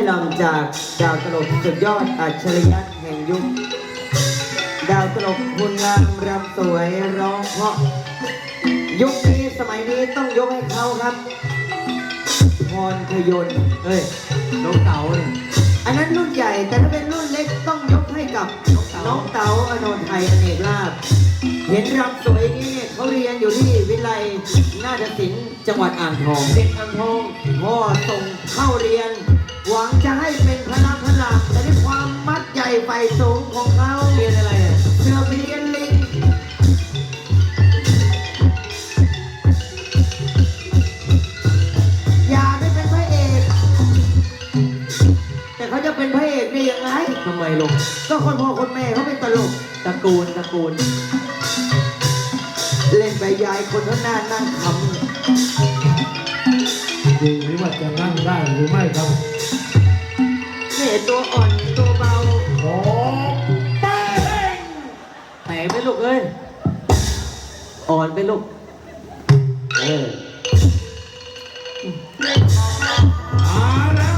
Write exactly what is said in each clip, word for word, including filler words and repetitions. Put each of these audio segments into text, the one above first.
ลำจากดาวตลกสุดยอดอัจฉริยะแห่งยุคดาวตลกคุณงามรำสวยร้องเพราะยุคนี้สมัยนี้ต้องยกให้เขาครับพรพยนต์เฮ้ยน้องเต๋าเนี่ยอันนั้นรุ่นใหญ่แต่ถ้าเป็นรุ่นเล็กต้องยกให้กับน้องเต๋าอโนไทยอเนกลาภเห็นรำสวยนี้เนี่ยเขาเรียนอยู่ที่วิไลนาฏศิลป์จังหวัดอ่างทองเด็กอ่างทองพ่อส่งเข้าเรียนหวังจะให้เป็นพระพระแต่ด้วยความมัดใหญ่ไฟสูงของเขาเรียนอะไรอ่ะเสือเรียนลิงอย่าได้เป็นพระเอกแต่เขาจะเป็นพระเอกได้ยังไงทำไมลงก็คนพ่อคนแม่เขาเป็นตลกตระกูลตระกูลเล่นไปยายคนข้างหน้านั่งคำดูนี่ว่าจะนั่งได้หรือไม่ครับเนี่ยตัวอ่อนตัวเบาโอ้เป้งแตกไปลูกเอ้ยอ่อนไปลูกเออมาแล้ว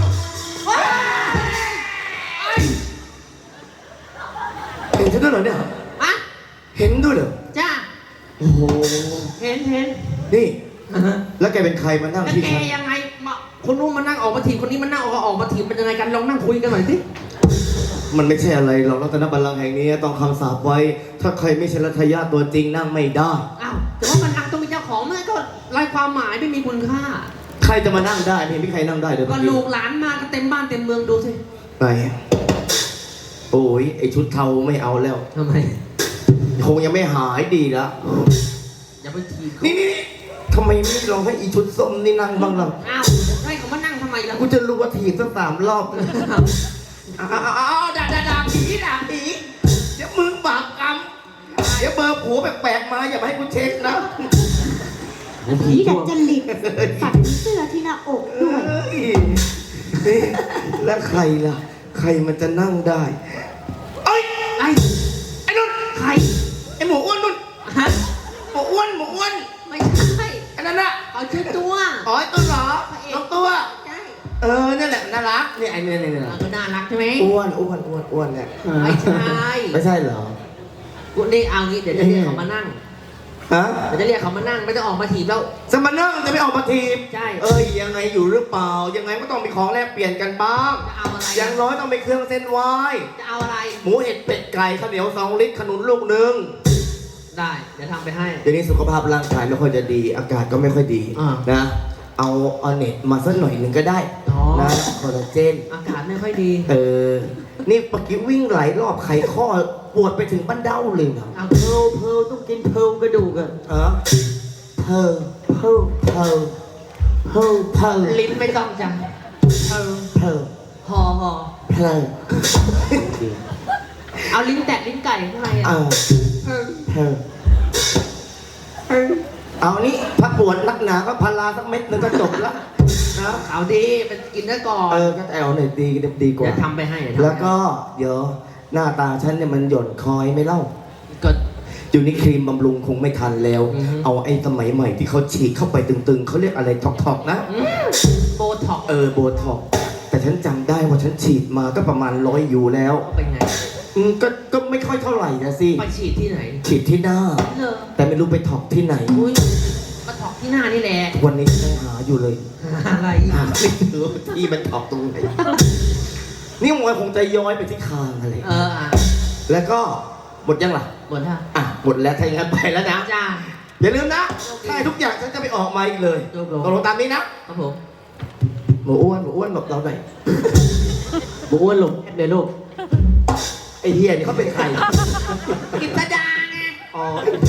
เห็นฉันด้วยเหรอเนี่ยอะเห็นด้วยเหรอจ้าโอ้โหเห็นเห็นนี่แล้วแกเป็นใครมานั่งที่แกยังไงมาคนนู้นมานั่งออกมาถีบคนนี้มานั่งออกออกมาถีบเป็นยังไงกันลองนั่งคุยกันหน่อยสิมันไม่ใช่อะไรหรอกรัตนบัลลังก์แห่งนี้ต้องคำสาปไว้ถ้าใครไม่ใช่รัตยาตัวจริงนั่งไม่ได้อ้าวแต่ว่ามันนั่งต้องมีเจ้าของมันก็ไร้ความหมายไม่มีคุณค่าใครจะมานั่งได้ไม่มีใครนั่งได้เลยก็ลูกหลานมาก็เต็มบ้านเต็มเมืองดูสิไหนโอ้ยไอชุดเทาไม่เอาแล้วทำไมคงยังไม่หายดีละอย่าไปทีนี่นี่ทำไมไม่ลองให้อีชุดส้มนี่นั่งบ้างล่ะอ้าวให้เขามานั่งทำไมล่ะกูจะรู้ว่าถีบสักสามรอบอ้าวอ้าวด่าด่าด่าผีด่าผีเดี๋ยวมึงบาปกรรมเดี๋ยวเบอร์ผัวแปลกๆมาอย่ามาให้กูเช็คนะผีดัดจริตฝันเสื้อที่หน้าอกด้วยนี่แล้วใครล่ะใครมันจะนั่งได้ไอ้ไอ้ไอ้นุ่นใครไอ้หมูอ้วนนุ่นฮะหมูอ้วนหมูอ้วนไม่ใช่อันนั้นอะเอาชื่อตัวอ๋อตัวเหรอน้องตัวใช่เออนี่แหละน่ารักนี่ไอ้เนี่ยเนี่ยก็น่ารักใช่ไหมอ้วนอ้วนอ้วนอ้วนเนี่ยไม่ใช่ไม่ใช่เหรอกูนี่เอางี้เดี๋ยวจะเรียกเขามานั่งฮะเดี๋ยวจะเรียกเขามานั่งไม่ต้องออกมาถีบแล้วจะมานั่งจะไม่ออกมาถีบใช่เอ้ยยังไงอยู่หรือเปล่ายังไงก็ต้องมีของแลกเปลี่ยนกันบ้างจะเอาอะไรอย่างน้อยต้องมีเครื่องเส้นไหว้จะเอาอะไรหมูเห็ดเป็ดไก่ข้าวเหนียวสองลิตรขนุนลูกหนึ่งได้เดี๋ยวทำไปให้เดี๋ยวนี้สุขภาพร่างกายไม่ค่อยจะดีอากาศก็ไม่ค่อยดีนะเอาเอาเน็ตมาสักหน่อยหนึ่งก็ได้นะคอลลาเจนอากาศไม่ค่อยดีเออนี่เมื่อกี้วิ่งหลายรอบไขข้อปวดไปถึงบั้นเด้าเลยนะเอาเพลเพลต้องกินเพลกระดูกอะเออเพลเพลเพลเพลเพลลิ้นไม่ต้องจ้ะเพลเพลหอหอเพลเอาลิ้นแตะลิ้นไก่ข้างในอ่ะเพลเพลเอานี่ถ้าปวดนักหนาก็พาราสักเม็ดนึงก็จบแล้วนะเอาดีไปกินได้ก่อนเออก็แอลหน่อยดีดีกว่าจะทำไปให้แล้วก็เดี๋ยวหน้าตาฉันเนี่ยมันหย่อนคอยไม่เล่าก็อยู่นี่ครีมบำรุงคงไม่ทันแล้วเอาไอ้สมัยใหม่ที่เขาฉีดเข้าไปตึงๆเขาเรียกอะไรท็อกๆนะโบท็อกเออโบท็อกแต่ฉันจำได้ว่าฉันฉีดมาก็ประมาณร้อยอยู่แล้วเป็นไงอืมก็ก็ไม่ค่อยเท่าไหร่นะสิไปฉีดที่ไหนฉีดที่หน้าแต่ไม่รู้ไปท็อกที่ไหนอุ้ยมาท็อกที่หน้านี่แหละวันนี้ยังหาอยู่เลยอะไรหาไม่เจอที่มันท็อกตรงไหนนี่มันคงจะย้อยไปที่คางอะไรเอออ่ะแล้วก็หมดยังล่ะหมดค่ะอ่ะหมดแล้วถ้าอย่างนั้นไปแล้วนะจ้าอย่าลืมนะใช่ทุกอย่างฉันจะไปออกมาอีกเลยตกลงตามนี้นะครับผมหมูอ้วนหมูอ้วนแบบเราหน่อยหมูอ้วนลงเดี๋ยวลูกไอ้เฮียนี่เขาเป็นใครกิตดาไงอ๋อ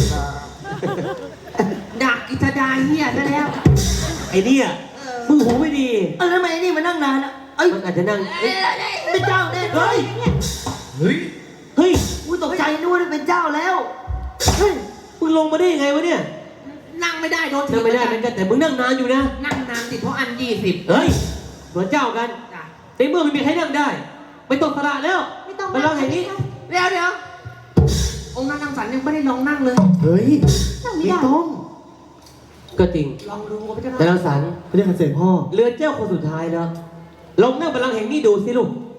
ดักกิตดาเฮียซะแล้วไอ้เนี่ยมึงหูไม่ดีเออทำไมไอ้นี่มานั่งนานอ่ะเอ้ยมันอาจจะนั่งเป็นเจ้าแน่เฮ้ยเฮ้ยเฮ้ยกูตกใจนึกว่าเป็นเจ้าแล้วเฮ้ยมึงลงมาได้ยังไงวะเนี่ยนั่งไม่ได้โดนนั่งไม่ได้เหมือนกันแต่มึงนั่งนานอยู่นะนั่งนานสิเพราะอันยี่สิบเฮ้ยเหมือนเจ้ากันในเมื่อไม่มีใครนั่งได้ไปตกสระแล้วไม่ต้องไปลองอย่างนี้เดี๋ยวเดี๋ยวองค์นั่งนั่งสันยังไม่ได้ลองนั่งเลยเฮ้ยไม่ต้องก็จริงลองดูแต่เราสันไม่ได้ขัดเสียงพ่อเรือเจ้าคนสุดท้ายแล้วลองนั่งบัลลังก์แห่งนี้ดูสิลูก